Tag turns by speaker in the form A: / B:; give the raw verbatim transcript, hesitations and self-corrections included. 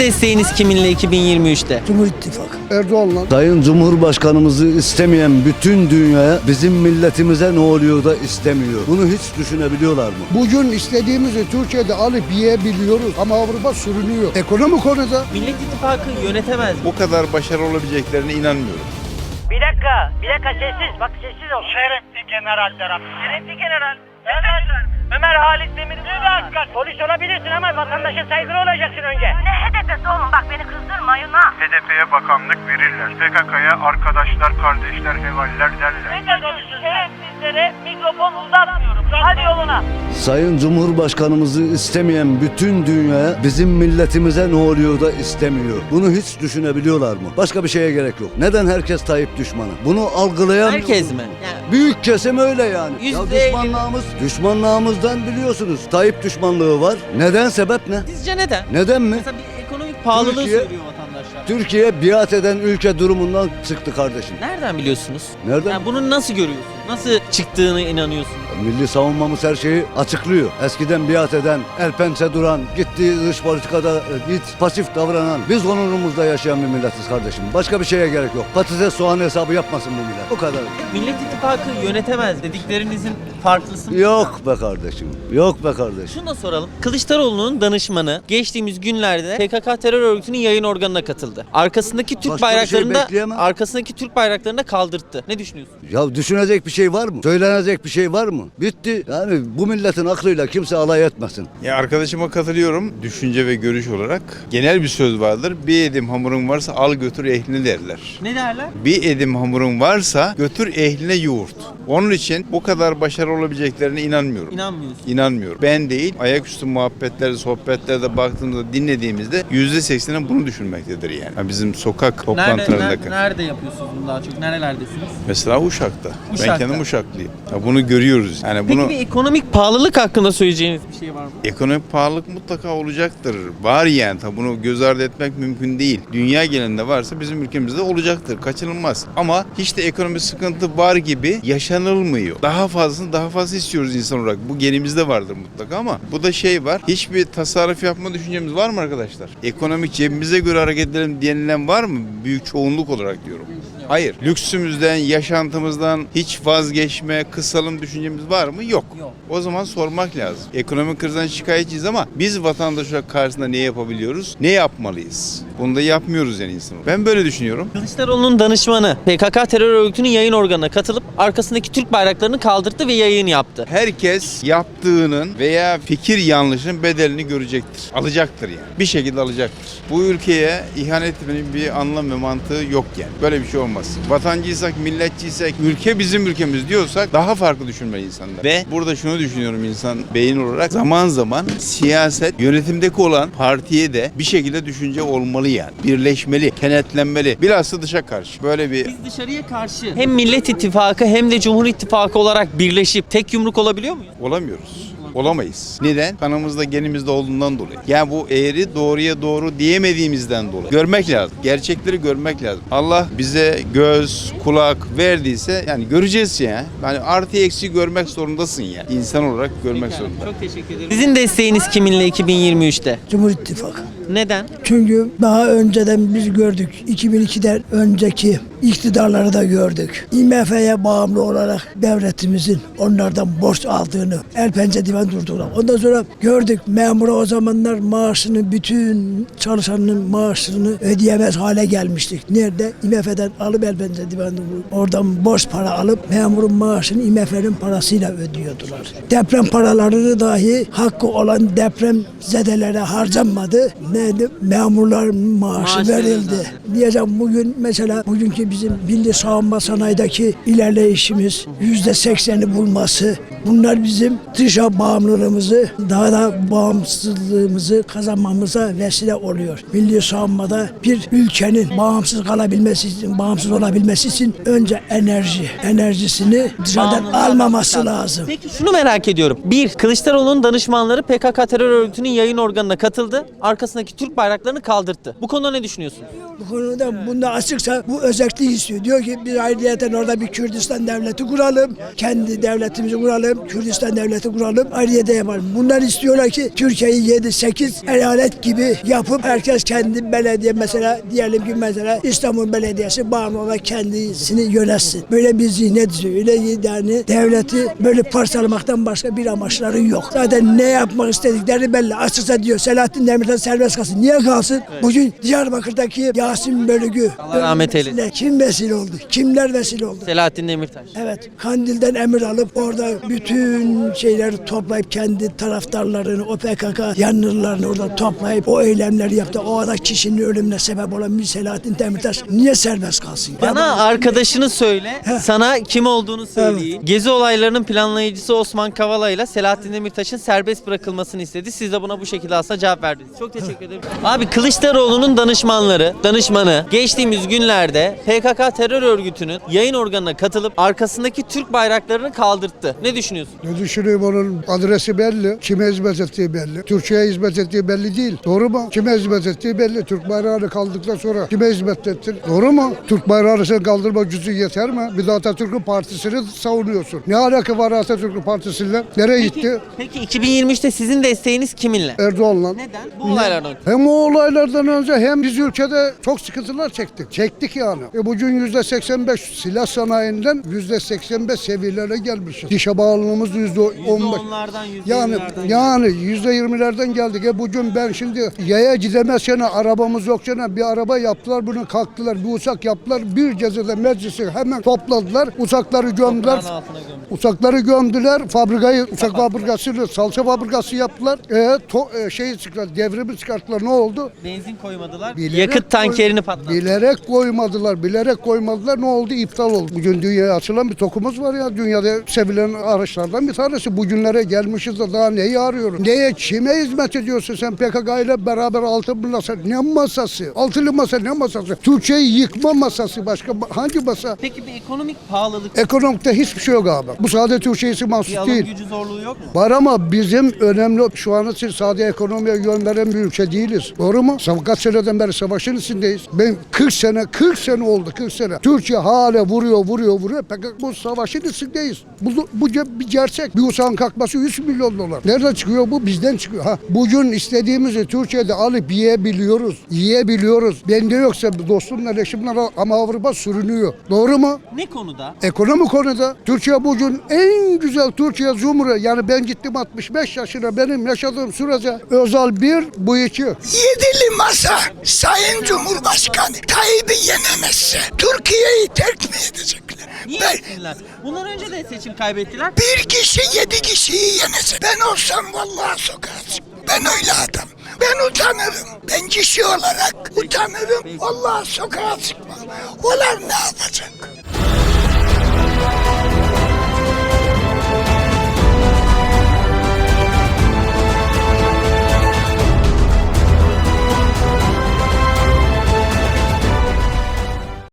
A: desteğiniz kiminle iki bin yirmi üçte?
B: Cumhur İttifakı.
C: Erdoğan'la.
D: Sayın Cumhurbaşkanımızı istemeyen bütün dünyaya bizim milletimize ne oluyor da istemiyor. Bunu hiç düşünebiliyorlar mı?
C: Bugün istediğimizi Türkiye'de alıp yiyebiliyoruz ama Avrupa sürünüyor. Ekonomi konuda.
A: Millet İttifakı yönetemez mi?
E: Bu kadar başarılı olabileceklerine inanmıyorum.
F: Bir dakika, bir dakika sessiz. Bak sessiz ol. Şerefli general Berat. Şerefli general. Ömer, Ömer Halit Demir'in bir dakika. Polis olabilirsin ama vatandaşa saygılı olacaksın önce.
G: Ne H D P'si oğlum, bak beni kızdırmayın ha.
H: H D P'ye bakanlık verirler. P K K'ya arkadaşlar, kardeşler, hevaller derler.
F: Ne diyorsun? Şerefsizlere mikrofon uzatmıyorum. Hadi yoluna.
D: Sayın Cumhurbaşkanımızı istemeyen bütün dünyaya bizim milletimize ne oluyor da istemiyor. Bunu hiç düşünebiliyorlar mı? Başka bir şeye gerek yok. Neden herkes Tayyip düşmanı? Bunu algılayan...
A: Herkes mi? Yani
D: Büyük kesim öyle yani. Ya
A: Yüzde elli.
D: düşmanlığımız, düşmanlığımızdan biliyorsunuz. Tayyip düşmanlığı var. Neden, sebep ne?
A: sizce neden?
D: Neden mi?
A: Mesela bir ekonomik pahalılığı
D: Türkiye-
A: söylüyor vatandaşlar.
D: Türkiye biat eden ülke durumundan çıktı kardeşim.
A: Nereden biliyorsunuz?
D: Nereden?
A: Yani bunu nasıl görüyorsun? Nasıl çıktığını inanıyorsun?
D: Milli savunmamız her şeyi açıklıyor. Eskiden biat eden, el pençe duran, gittiği dış politikada e, git pasif davranan, biz onurumuzda yaşayan bir milletiz kardeşim. Başka bir şeye gerek yok. Patates soğan hesabı yapmasın bu millet. O kadar.
A: Millet İttifakı yönetemez dediklerinizin farklısı mı?
D: Yok be kardeşim. Yok be kardeşim.
A: Şunu da soralım. Kılıçdaroğlu'nun danışmanı geçtiğimiz günlerde P K K terör örgütünün yayın organına katıldı. Arkasındaki Türk
D: Başka bir şey
A: bayraklarını da
D: bekleyemem.
A: arkasındaki Türk bayraklarını da kaldırttı. Ne düşünüyorsun?
D: Ya düşünecek bir şey var mı? Söylenecek bir şey var mı? Bitti. Yani bu milletin aklıyla kimse alay etmesin.
E: Ya arkadaşıma katılıyorum düşünce ve görüş olarak. Genel bir söz vardır. Bir edim hamurun varsa al götür ehline derler.
A: Ne derler?
E: Bir edim hamurun varsa götür ehline yoğurt. Onun için bu kadar başarılı olabileceklerine inanmıyorum.
A: İnanmıyorsun.
E: İnanmıyorum. Ben değil, ayaküstü muhabbetlerde, sohbetlerde baktığımızda, dinlediğimizde yüzde sekseni bunu düşünmektedir yani. Yani bizim sokak
A: Nerede,
E: toplantılarında.
A: nerede, nerede yapıyorsunuz bunu daha çok? Nerelerdesiniz?
E: Mesela Uşak'ta.
A: Uşak'ta.
E: Ben kendim Uşaklıyım. Ya bunu görüyoruz. Yani
A: Peki
E: bunu
A: bir ekonomik pahalılık hakkında söyleyeceğiniz bir şey var mı?
E: ekonomik pahalılık mutlaka olacaktır. Var yani. Tabi bunu göz ardı etmek mümkün değil. Dünya genelinde varsa bizim ülkemizde olacaktır. Kaçınılmaz. Ama hiç de ekonomik sıkıntı var gibi yaşanılmıyor. Daha fazlasını daha fazla istiyoruz insan olarak. Bu genimizde vardır mutlaka ama bu da şey var. Hiçbir tasarruf yapma düşüncemiz var mı arkadaşlar? Ekonomik cebimize göre hareket edelim denilen var mı? Büyük çoğunluk olarak diyorum. Hayır. Lüksümüzden, yaşantımızdan hiç vazgeçme, kısalım düşüncemiz var mı? Yok.
A: Yok.
E: O zaman sormak lazım. Ekonomik krizden şikayetçiyiz ama biz vatandaş olarak karşısında ne yapabiliyoruz? Ne yapmalıyız? Bunu da yapmıyoruz yani insan olarak. Ben böyle düşünüyorum.
A: Kılıçdaroğlu'nun danışmanı P K K terör örgütünün yayın organına katılıp arkasındaki Türk bayraklarını kaldırdı ve yayın yaptı.
E: Herkes yaptığının veya fikir yanlışının bedelini görecektir. Alacaktır yani. Bir şekilde alacaktır. Bu ülkeye ihanet etmenin bir anlam ve mantığı yok yani. Böyle bir şey olmaz. Vatancıysak, milletçiysek, ülke bizim ülkemiz diyorsak daha farklı düşünmeli insanlar. Ve burada şunu düşünüyorum insan beyin olarak. Zaman zaman siyaset yönetimdeki olan partiye de bir şekilde düşünce olmalı yani. Birleşmeli, kenetlenmeli. Bilhassa dışa karşı. Böyle bir
A: Biz dışarıya karşı hem Millet İttifakı hem de Cumhur İttifakı olarak birleşip tek yumruk olabiliyor muyuz?
E: olamıyoruz. Olamayız. Neden? Kanımızda, genimizde olduğundan dolayı. Yani bu eğri doğruya doğru diyemediğimizden dolayı. Görmek lazım. Gerçekleri görmek lazım. Allah bize göz, kulak verdiyse yani göreceğiz ya. Yani artı eksi görmek zorundasın ya. İnsan olarak görmek zorunda.
A: Çok teşekkür ederim. Sizin desteğiniz kiminle iki bin yirmi üçte?
B: Cumhur İttifakı.
A: Neden?
B: Çünkü daha önceden biz gördük. iki bin ikiden önceki iktidarları da gördük. I M F'ye bağımlı olarak devletimizin onlardan borç aldığını, el pençe divan durduğunu. Ondan sonra gördük memura o zamanlar maaşını, bütün çalışanın maaşını ödeyemez hale gelmiştik. Nerede? I M F'den alıp el pençe divan oradan borç para alıp memurun maaşını I M F'nin parasıyla ödüyordular. Deprem paralarını dahi hakkı olan deprem zedelere harcanmadı. Neydi? Memurların maaşı
A: Maaş
B: verildi.
A: verildi.
B: Diyeceğim bugün mesela bugünkü bizim milli savunma sanayideki ilerleyişimiz yüzde sekseni bulması, bunlar bizim dışa bağımlılığımızı daha da bağımsızlığımızı kazanmamıza vesile oluyor. Milli savunmada bir ülkenin bağımsız kalabilmesi için, bağımsız olabilmesi için önce enerji, enerjisini dışarıdan
A: Bağımlılığı
B: almaması
A: almak
B: lazım.
A: Peki şunu merak ediyorum. Bir, Kılıçdaroğlu'nun danışmanları P K K terör örgütünün yayın organına katıldı. Arkasındaki arkasındaki Türk bayraklarını kaldırttı. Bu konuda ne düşünüyorsunuz?
B: Bu konuda bunda açıksa bu özelliği istiyor. Diyor ki biz ayrıyeten orada bir Kürdistan devleti kuralım. Kendi devletimizi kuralım. Kürdistan devleti kuralım. Ayrıyeten yapalım. Bunlar istiyorlar ki Türkiye'yi yedi sekiz eyalet gibi yapıp herkes kendi belediye mesela diyelim ki mesela İstanbul Belediyesi bağımlı olarak kendisini yönetsin. Böyle bir zihnet istiyor. Öyle yani devleti böyle parçalamaktan başka bir amaçları yok. Zaten ne yapmak istedikleri belli. Açıkça diyor Selahattin Demirtaş serbest kalsın. Niye kalsın? Evet. Bugün Diyarbakır'daki Yasin Bölügü
A: Allah rahmet eylesin.
B: Kim vesile oldu? Kimler vesile oldu?
A: Selahattin Demirtaş.
B: Evet. Kandil'den emir alıp orada bütün şeyleri toplayıp kendi taraftarlarını, o P K K yanlılarını orada toplayıp o eylemleri yaptı. O arada kişinin ölümüne sebep olan bir Selahattin Demirtaş niye serbest kalsın?
A: Bana arkadaşını söyle, sana kim olduğunu söyleyeyim. Gezi olaylarının planlayıcısı Osman Kavala ile Selahattin Demirtaş'ın serbest bırakılmasını istedi. Siz de buna bu şekilde aslında cevap verdiniz. Çok teşekkür ederim. Abi Kılıçdaroğlu'nun danışmanları, danışmanı geçtiğimiz günlerde P K K terör örgütünün yayın organına katılıp arkasındaki Türk bayraklarını kaldırttı. Ne düşünüyorsun?
C: Ne düşünüyorum, onun adresi belli. Kime hizmet ettiği belli. Türkiye'ye hizmet ettiği belli değil. Doğru mu? Kime hizmet ettiği belli. Türk bayrağını kaldırdıktan sonra kime hizmet ettin? Doğru mu? Türk bayrağını sen kaldırmak gücü yeter mi? Bir de Atatürk'ün partisini savunuyorsun. Ne alaka var Atatürk'ün partisiyle? Nereye
A: Peki,
C: gitti?
A: peki iki bin yirmi üçte sizin desteğiniz kiminle?
C: Erdoğan'la.
A: Neden? Bu olaylardan.
C: Hem o olaylardan önce hem biz ülkede çok sıkıntılar çektik. Çektik yani. E bugün yüzde seksen beş silah sanayinden yüzde seksen beş seviyelere gelmişiz. Dişe bağlılığımız yüzde on beş.
A: yüzde onlardan, yüzde
C: Yani
A: yirmilerden
C: yani yüzde yirmilerden geldik. E bugün ben şimdi yaya gidemezken arabamız yokken bir araba yaptılar, bunu kalktılar. Bir uçak yaptılar. Bir gecede meclisi hemen topladılar. Uçakları gömdüler.
A: Toprağın altına gömdüler.
C: Uçakları gömdüler. Fabrikayı, uçak fabrikasını, salça fabrikası yaptılar. E, to, e, şeyi çıkarttılar, devrimi çıkarttılar. Ne oldu?
A: Benzin koymadılar.
C: Bilerek
A: yakıt tankerini
C: koy-
A: patlattılar.
C: Bilerek koymadılar, bilerek koymadılar. Ne oldu? İptal oldu. Bugün dünyaya açılan bir tokumuz var ya. Dünyada sevilen araçlardan bir tanesi. Bugünlere gelmişiz de daha neyi arıyoruz? Neye, kime hizmet ediyorsun sen P K K ile beraber altın masa? Ne masası? Altılı masa ne masası? Türkiye'yi yıkma masası. Başka hangi masa?
A: Peki bir ekonomik pahalılık,
C: Ekonomikte hiçbir şey yok abi. Bu sadece Türkiye'si
A: bir
C: mahsus
A: alım
C: değil.
A: gücü zorluğu yok mu?
C: Var ama bizim önemli şu an için sadece ekonomiye yön veren bir ülke değiliz. Doğru mu? Kaç seneden beri savaşın içindeyiz. Ben kırk sene, kırk sene oldu, kırk sene. Türkiye hala vuruyor, vuruyor, vuruyor. Peki bu savaşın içindeyiz. Bu, bu bir gerçek. Bir uçağın kalkması üç milyon dolar. Nereden çıkıyor bu? Bizden çıkıyor. Ha, bugün istediğimizi Türkiye'de alıp yiyebiliyoruz. Yiyebiliyoruz. Bende yoksa dostumla, eşimle ama Avrupa sürünüyor. Doğru mu?
A: Ne konuda?
C: Ekonomi konuda Türkiye bugün en güzel Türkiye Cumhuriyeti. Yani ben gittim altmış beş yaşına, benim yaşadığım sürece özel bir, bu iki.
I: Yedili masa Sayın Cumhurbaşkanı Tayyip'i yenemezse Türkiye'yi terk mi edecekler?
A: Niye
I: Ben,
A: etsinler? Bundan önce de seçim kaybettiler.
I: bir kişi yedi kişiyi yenese ben olsam vallahi sokağa çıkmam. Ben öyle adam. Ben utanırım. Ben kişi olarak utanırım. Vallahi sokağa çıkmam. Onlar ne yapacak?